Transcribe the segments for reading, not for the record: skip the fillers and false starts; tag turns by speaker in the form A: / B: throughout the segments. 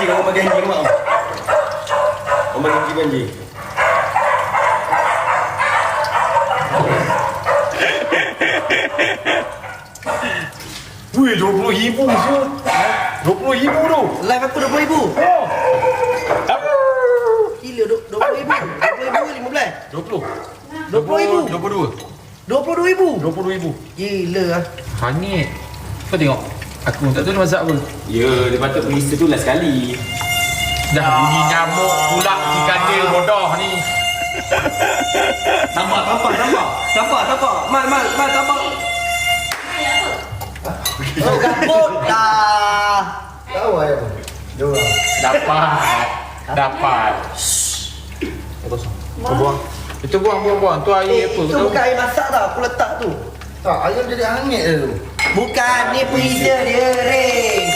A: kamu bagi Hanji mak. Kamu bagi Hanji.
B: Wih, 20,000 siul. 20,000 tu.
C: Live aku 20,000.
B: Oh.
C: Gila 20,000. 20,000 15.
B: 20.
C: 20,000.
B: 22.
C: 22,000.
B: 20,000.
C: Gila ah.
D: Hangit. Kau tengok. Aku tak tahu dia masak apa.
A: Ya, dia patut pergi tu lah sekali.
D: Dah bunyi nyamuk pula si kandil bodoh ni.
A: Tambah. Mal, tambah.
C: Oh, gabut dah.
E: Tahu ayam. Jom.
D: Dapat. Kau buang. Itu buang. Tu air apa?
C: Itu
D: Kau tahu?
C: bukan air masak tau. Aku letak tu.
E: Tak, ayam jadi hangit je tu.
C: Bukan, ni freezer dia, Ray.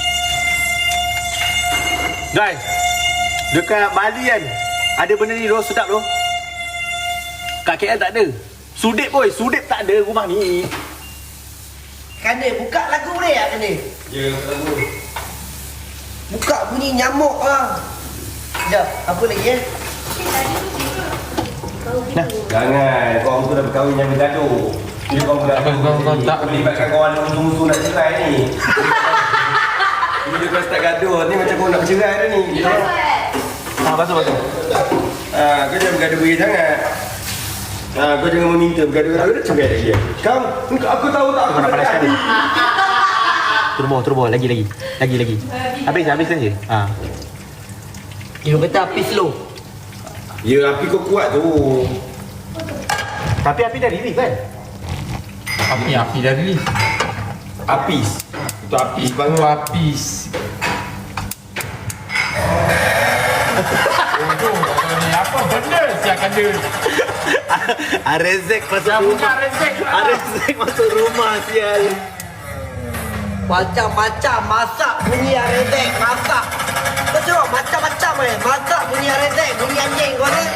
F: Guys, dekat Bali kan ada benda ni roh sedap tu. Kat KL tak ada. Sudip boy, sudip tak ada rumah ni.
C: Kandil, buka lagu Ray tak Kandil?
A: Ya, lagu.
C: Buka bunyi nyamuk lah. Sekejap, apa lagi
A: Jangan, kau tu dah berkahwin yang bergaduh. Dia kau
D: tak
A: melibatkan kawan musuh-musuh nak cerai ni. Bila kau start gaduh, ni macam kau nak bercerai dah ni.
F: Basuh.
A: Kau jangan bergaduh beri sangat. Kau jangan meminta bergaduh-gaduh dah cerai lagi. Kau, aku tahu tak aku nak panaskan ni.
F: Turbo, lagi. Habis je.
C: Dia kata api slow.
A: Ya, api kau kuat tu.
F: Tapi api dah release kan?
D: Api dah rilis.
A: Apis. Itu apis banget.
D: Apis. Ni apa benda siap kandil?
F: Arezek masuk
D: Dah
F: rumah.
D: buka rezek lah.
F: Arezek masuk rumah sial.
C: Macam-macam masak bunyi arezek, masak. Kau tengok macam-macam masak bunyi arezek, bunyi anjing kau ni.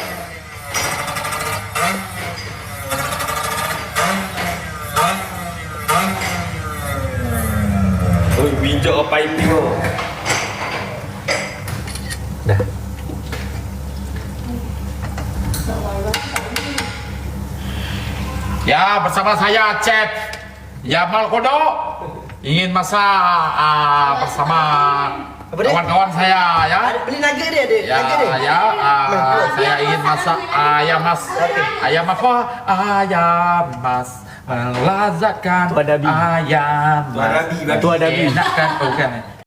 A: Oh, bijak apa piping kau.
F: Dah.
D: Ya, bersama saya Chef Yamal Kodok ingin masak bersama
C: Apa dia?
D: kawan-kawan saya ya.
C: Beli nugget dia ada.
D: Ya,
C: Nugget dia.
D: saya ingin masak ayam mas. Ayam apa? Ayam mas melazatkan.
F: Tuan Nabi.
D: Ayam mas.
A: Tuan Nabi.
D: Enakkan bukan.